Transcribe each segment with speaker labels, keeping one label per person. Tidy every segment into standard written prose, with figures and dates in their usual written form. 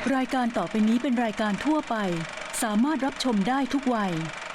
Speaker 1: รายการต่อไปนี้เป็นรายการทั่วไปสามารถรับชมได้ทุกวัย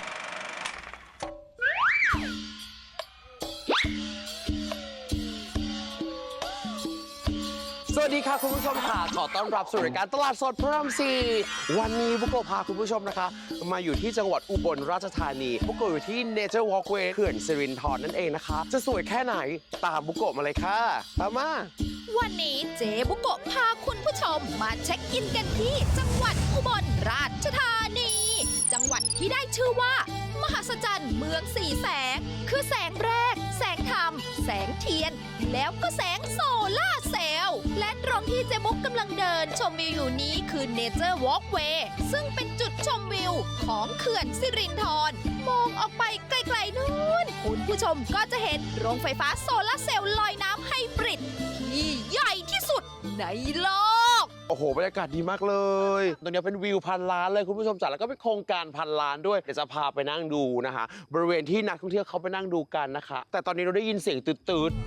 Speaker 2: สวัสดีค่ะคุณผู้ชมค่ะขอต้อนรับสู่รายการตลาดสดพระราม4วันนี้บุโกะพาคุณผู้ชมนะคะมาอยู่ที่จังหวัดอุบลราชธานีบุโกะอยู่ที่ Nature Walkway เขื่อนสิรินธรนั่นเองนะคะจะสวยแค่ไหนตามบุโกะมาเลยค่ะตามมา
Speaker 3: วันนี้เจ๊บุโกะพาคุณผู้ชมมาเช็คอินกันที่จังหวัดอุบลราชธานี จังหวัดที่ได้ชื่อว่ามหัศจรรย์เมืองสีแสงคือแสงแรกแสงธรรมแสงเทียนแล้วก็แสงโซล่าเซลล์และตรงที่เจ๊บุ๊กกำลังเดินชมวิวอยู่นี้คือ Nature Walkway ซึ่งเป็นจุดชมวิวของเขื่อนสิรินธรมองออกไปไกลๆนู้นคุณผู้ชมก็จะเห็นโรงไฟฟ้าโซล่าเซลล์ลอยน้ำไฮบริดที่ใหญ่ที่สุดในโลก
Speaker 2: โอ้โหบรรยากาศดีมากเลยตรงนี้เป็นวิวพันล้านเลยคุณผู้ชมจ๋าแล้วก็เป็นโครงการพันล้านด้วยเดี๋ยวจะพาไปนั่งดูนะคะบริเวณที่นักท่องเที่ยวเขาไปนั่งดูกันนะคะแต่ตอนนี้เราได้ยินเสียงตืดๆ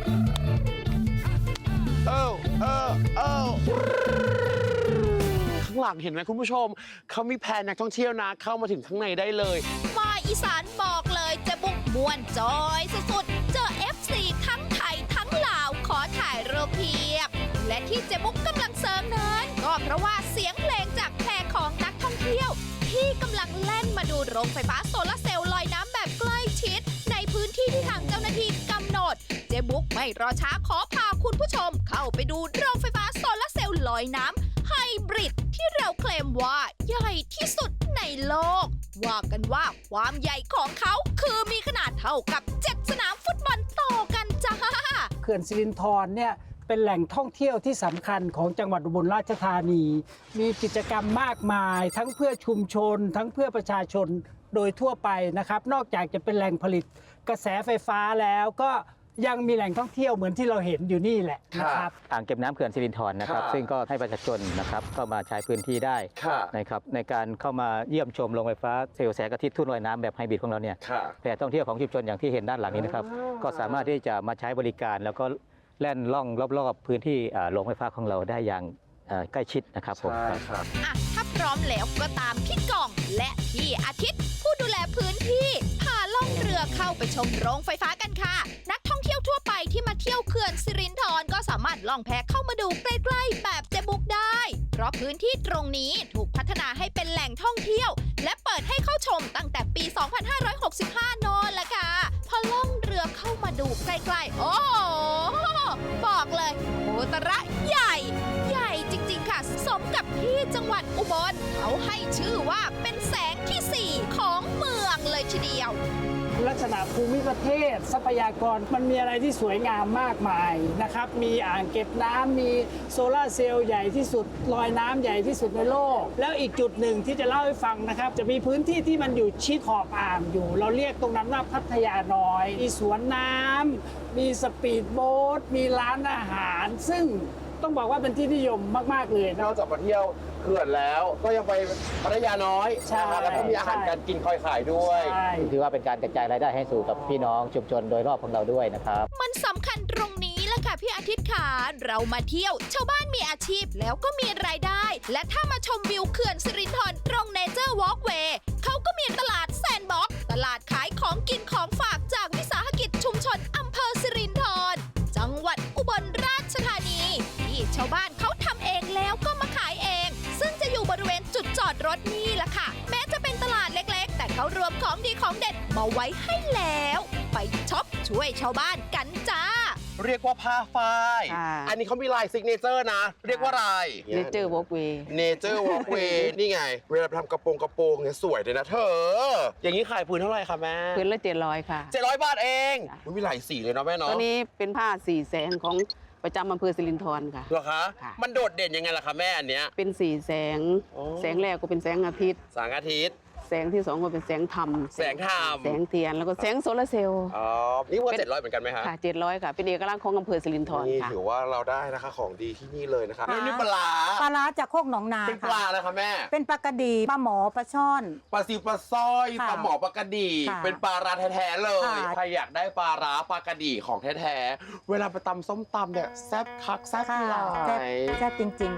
Speaker 2: ข้างหลังเห็นไหมคุณผู้ชมเขามีแพนักท่องเที่ยวนะเข้ามาถึงข้างในได้เลย
Speaker 3: มาอีสานบอกเลยเจ๊บุ๊กม่วนจอยสุดๆเจอ FC ทั้งไทยทั้งลาวขอถ่ายรูปเพียบและที่เจ๊บุ๊กกำลังเซิร์งนั้นก็เพราะว่าเสียงเพลงจากแพของนักท่องเที่ยวที่กำลังแล่นมาดูโรงไฟฟ้าโซลาร์เซลล์ลอยน้ำแบบใกล้ชิดในพื้นที่ที่ทางเจ้าหน้าที่กำหนดเจ๊บุ๊กไม่รอช้าขอพาคุณผู้ชมเข้าไปดูโรงไฟฟ้าโซลาร์เซลล์ลอยน้ำไฮบริดที่เราเคลมว่าใหญ่ที่สุดในโลกว่ากันว่าความใหญ่ของเขาคือมีขนาดเท่ากับ7สนามฟุตบอลต่อกันจ้า
Speaker 4: เขื่อนสิรินธรเนี่ยเป็นแหล่งท่องเที่ยวที่สำคัญของจังหวัดอุบลราชธานี มีกิจกรรมมากมายทั้งเพื่อชุมชนทั้งเพื่อประชาชนโดยทั่วไปนะครับนอกจากจะเป็นแหล่งผลิตกระแสไฟฟ้าแล้วก็ยังมีแหล่งท่องเที่ยวเหมือนที่เราเห็นอยู่นี่แหละนะครับ
Speaker 5: อ่างเก็บน้ำเขื่อนสิรินธรนะครับซึ่งก็ให้ประชาชนนะครับเข้ามาใช้พื้นที่ได้นะครับในการเข้ามาเยี่ยมชมโรงไฟฟ้าเซลล์แสงอาทิตย์ทุ่นลอยน้ำแบบไฮบริดของเราเนี่ยแหล่งท่องเที่ยวของชุมชนอย่างที่เห็นด้านหลังนี้นะครับก็สามารถที่จะมาใช้บริการแล้วก็แล่นล่องรอบๆพื้นที่โรงไฟฟ้าของเราได้อย่างใกล้ชิดนะครับผม
Speaker 3: ถ้าพร้อมแล้วก็ตามพี่กองและพี่อาทิตย์ผู้ดูแลพื้นที่พาล่องเรือเข้าไปชมโรงไฟฟ้ากันค่ะนักท่องเที่ยวทั่วไปที่มาเที่ยวเขื่อนสิรินธรก็สามารถล่องแพเข้ามาดูใกล้ๆแบบเจ๊บุ๊กได้เพราะพื้นที่ตรงนี้ถูกพัฒนาให้เป็นแหล่งท่องเที่ยวและเปิดให้เข้าชมตั้งแต่ปี 2565 นนแหละค่ะพอล่องเรือเข้ามาดูใกล้ๆโอ้บอกเลยโหตระใหญ่จริงๆค่ะสมกับที่จังหวัดอุบลเขาให้ชื่อว่าเป็นแสงที่4ของเมืองเลยทีเดียว
Speaker 4: ลักษณะภูมิประเทศทรัพยากรมันมีอะไรที่สวยงามมากมายนะครับมีอ่างเก็บน้ำมีโซลาร์เซลล์ใหญ่ที่สุดลอยน้ำใหญ่ที่สุดในโลกแล้วอีกจุดหนึ่งที่จะเล่าให้ฟังนะครับจะมีพื้นที่ที่มันอยู่ชิดขอบอ่างอยู่เราเรียกตรงนั้นว่าพัทยาน้อยมีสวนน้ำมีสปีดโบ๊ทมีร้านอาหารซึ่งต้องบอกว่าเป็นที่นิยมมากๆเลย
Speaker 2: นอกจากมาเที่ยวเขื่อนแล้วก็ยังไปพัทยาน้อยนะครับแล้วก็มีอาหารการกินคอยขายด้วย
Speaker 5: ถือว่าเป็นการกระจายรายได้ให้สู่กับพี่น้องชุมชนโดยรอบของเราด้วยนะครับ
Speaker 3: มันสำคัญตรงนี้แหละค่ะพี่อาทิตย์ค่ะเรามาเที่ยวชาวบ้านมีอาชีพแล้วก็มีรายได้และถ้ามาชมวิวเขื่อนสิรินธรตรง Nature Walkway เขาก็มีตลาดแซนด์บ็อกซ์ตลาดขายของกินของฝากจากวิสาหกิจชุมชนอำเภอสิรินธรจังหวัดอุบลราชธานีที่ชาวบ้านเขาทำเองแล้วก็มาขายเองซึ่งจะอยู่บริเวณจุดจอดรถนี่แหละค่ะแม้จะเป็นตลาดเล็กๆแต่เขารวมของดีของเด็ดมาไว้ให้แล้วไปช็อปช่วยชาวบ้านกันจ้า
Speaker 2: เรียกว่าผ้าฝ้ายอันนี้เขามีลายซิกเนเจอร์นะเรียกว่าอะไร
Speaker 6: Nature Walkway
Speaker 2: Nature Walkway นี่ไงเวลาทำกระโปรงเนี่ยสวยเลยนะเธออย่างนี้ขายพื้นเท่าไหร่คะแม่
Speaker 6: พื้นละ700ค่ะ
Speaker 2: 700 บาทเองมีหลายสีเลยเนาะแม่เนาะ
Speaker 6: ตัวนี้เป็นผ้าสีแสงของประจำอำเภอสิรินธรค่ะ
Speaker 2: เหรอคะมันโดดเด่นยังไงล่ะคะแม่อันเนี้ย
Speaker 6: เป็นสีแสงแสงแรกก็เป็นแสงอาทิตย์
Speaker 2: แสงอาทิตย์
Speaker 6: แสงที่2ก็เป็นแสงธรรม
Speaker 2: แสง
Speaker 6: เทียนแล้วก็แสงโซลาร์เซลล์
Speaker 2: อ๋อนี่ว่า700เหมือนกันไหมคะ
Speaker 6: ค่ะ700ค่ะเป็นเอกลักษณ์ของอำเภอสิรินธร
Speaker 2: นี่
Speaker 6: ค่ะ
Speaker 2: ถือว่าเราได้นะคะของดีที่นี่เลยนะคะแล้วนี่ปลา
Speaker 7: จากโคกหนองนา
Speaker 2: เป็นปลาอะไรคะแม่
Speaker 7: เป็นปลากระดีปลาหมอปลาช่อน
Speaker 2: ปลาซิวปลาสร้อยปลาหมอปลากระดีเป็นปลาร้าแท้ๆเลยใครอยากได้ปลาร้าปลากระดีของแท้ๆเวลาไปตำส้มตำเนี่ยแซ่บคักแซ่บหลาย
Speaker 7: แซ่บจริง
Speaker 3: ๆปลาร้า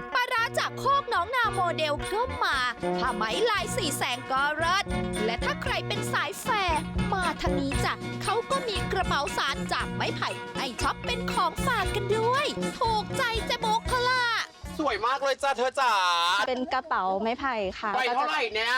Speaker 3: จากโคกน้องนาโมเดลก็มาผ้าไหมลายสีแสงก็เลิศและถ้าใครเป็นสายแฟร์มาทางนี้จ้ะเขาก็มีกระเป๋าสารจากไม้ไผ่ให้ช็อปเป็นของฝากกันด้วยถูกใจเจ๊บุ๊กเขาล่ะ
Speaker 2: สวยมากเลยจ้าเธอจ๋า
Speaker 8: เป็นกระเป๋าไม้ไผ่ค่ะ
Speaker 2: ใบเท่าไหร่เนี่ย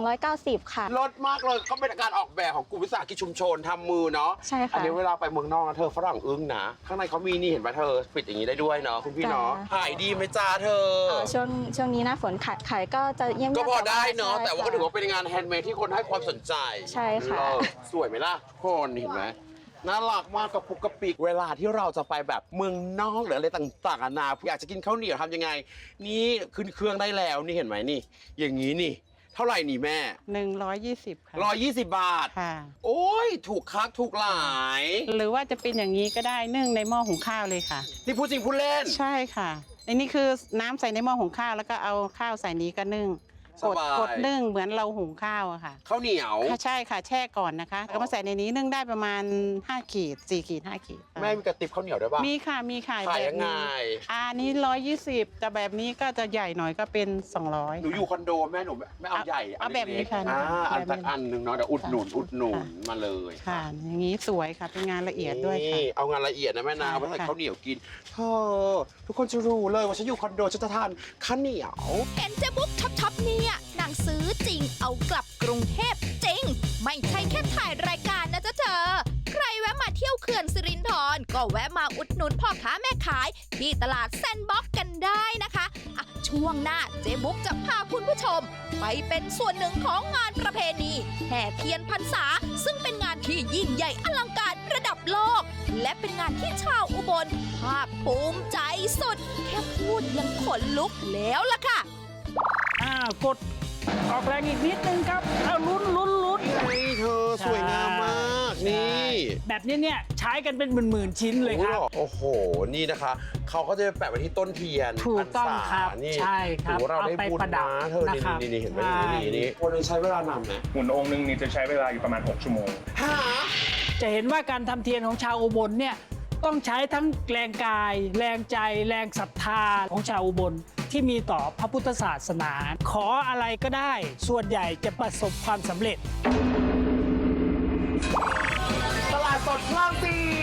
Speaker 8: 290 ค่ะ
Speaker 2: ลดมากเลยก็เป็นการออกแบบของกลุ่มวิสาหกิจชุมชนทำมือเนาะ
Speaker 8: ใช่ค่ะ
Speaker 2: อันนี้เวลาไปเมืองนอกนะเธอฝรั่งอึ้งนะ ข้างในเขามีนี่เห็นไหมเธอปิดอย่างนี้ได้ด้วยเนาะคุณพี่เนาะ
Speaker 8: จ้ะ
Speaker 2: ขายดีไหมจ้าเธอ
Speaker 8: ช่วงนี้หน้าฝนขายก็จะเยี่ยม
Speaker 2: ก็พอได้เนาะ
Speaker 8: ใช่
Speaker 2: แต่ว่าก็ถือว่าเป็นงานแฮนด์เมดที่คนให้ความสนใจ
Speaker 8: ใช่ค่ะ
Speaker 2: เออสวยไหมล่ะทุกคนเห็นไหมน่ารักมากกับปุกกระปิกเวลาที่เราจะไปแบบเมืองนอกหรืออะไรต่างๆนานาอยากจะกินข้าวเหนียวทำยังไง นี่ขึ้นเครื่องได้แล้วนี่เห็นไหมนี่ อย่างนี้นี่ เท่าไหร่นี่แม่
Speaker 9: 120 ค่ะ
Speaker 2: 120 บาท
Speaker 9: ค่ะ
Speaker 2: โอ้ยถูกคักถูกหลาย
Speaker 9: หรือว่าจะเป็นอย่างนี้ก็ได้นึ่งในหม้อหุงข้าวเลยค่ะ
Speaker 2: นี่พูดจริงพูดเล่น
Speaker 9: ใช่ค่ะอันนี้คือน้ำใส่ในหม้อหุงข้าวแล้วก็เอาข้าวใส่นี้ก็นึ่ง
Speaker 2: สบาย
Speaker 9: กดนึ่งเหมือนเราหุงข้าวอะค่ะ
Speaker 2: ข้าวเหนียว
Speaker 9: ค่ะใช่ค่ะแช่ก่อนนะคะแล้วก็มาใส่ในนี้นึ่งได้ประมาณ5ขีด4ขีด5ขีด
Speaker 2: แม่มีกระติบข้าวเหนียวด้วยป่ะ
Speaker 9: มีค่ะมีค่ะ
Speaker 2: ขาย
Speaker 9: แบบ
Speaker 2: ยังไง
Speaker 9: นี้อันนี้120แต่แบบนี้ก็จะใหญ่หน่อยก็เป็น200
Speaker 2: หนูอยู่คอนโดแม่หนูไม่เอาใหญ่
Speaker 9: เอาแบบนี้ค่ะ
Speaker 2: อัน
Speaker 9: แบบนี้
Speaker 2: สักอันหนึ่งเนาะเดี๋ยวอุดหนุน
Speaker 9: ค่ะ
Speaker 2: อุดหนุน
Speaker 9: ค่ะ
Speaker 2: มาเลย
Speaker 9: ค่ะ อย่างนี้สวยค่ะเป็นงานละเอียดด้วยค่ะ
Speaker 2: นี่เอางานละเอียดนะแม่นา
Speaker 9: ค่ะ
Speaker 2: เอาไปใส่
Speaker 9: ค่ะ
Speaker 2: ข้าวเหนียวกินเธอทุกคนจะรู้เลยว่าฉันอยู่คอนโดฉันจะทานข้าวเหนียว
Speaker 3: เห็นเจ๊บุ๊กช็อปเนี่ยนางซื้อจริงเอากลับกรุงเทพจริง ไม่ใช่แค่ถ่ายรายการนะจ๊ะเธอ ใครแวะมาเที่ยวเขื่อนสิรินธรก็แวะมาอุดหนุนพ่อค้าแม่ขายที่ตลาดแซนด์บ็อกซ์กันได้นะคะอ่ะช่วงหน้าเจ๊บุ๊กจะพาคุณผู้ชม ไปเป็นส่วนหนึ่งของงานประเพณีแห่เทียนพรรษา ซึ่งเป็นงานที่ยิ่งใหญ่อลังการระดับโลก และเป็นงานที่ชาวอุบลภาคภูมิใจสุด แค่พูดยังขนลุกแล้วล่ะค่ะ
Speaker 4: กดออกแรงอีกนิดนึงครับเอาลุ้น
Speaker 2: นี่เธอสวยงามมากนี่
Speaker 4: แบบนี้เนี่ยใช้กันเป็นหมื่นๆชิ้นเลยครับ
Speaker 2: โอ้โห นี่นะคะเขาก็จะแปะไว้ที่ต้นเทียน
Speaker 4: ถูกต้อง
Speaker 2: พรรษา
Speaker 4: ครับ
Speaker 2: นี่
Speaker 4: ใช่ครับ
Speaker 2: ถือว่าเราได้
Speaker 4: เอาไป
Speaker 2: บุญ
Speaker 4: ประดับ
Speaker 2: นะเธอ
Speaker 4: นะครับ
Speaker 2: นี่เห็นไหม
Speaker 4: ใช่
Speaker 2: นี่วันนึงใช้เวลานานไหม
Speaker 10: หุ่นองค์นึงนี่จะใช้เวลาอยู่ประมาณ 6 ชั่วโมง
Speaker 2: หา
Speaker 4: จะเห็นว่าการทำเทียนของชาวอุบลเนี่ยต้องใช้ทั้งแรงกาย แรงใจ แรงศรัทธาของชาวอุบลที่มีต่อพระพุทธศาสนา ขออะไรก็ได้ ส่วนใหญ่จะประสบความสำเร็จ
Speaker 2: ตลาดสดพระราม 4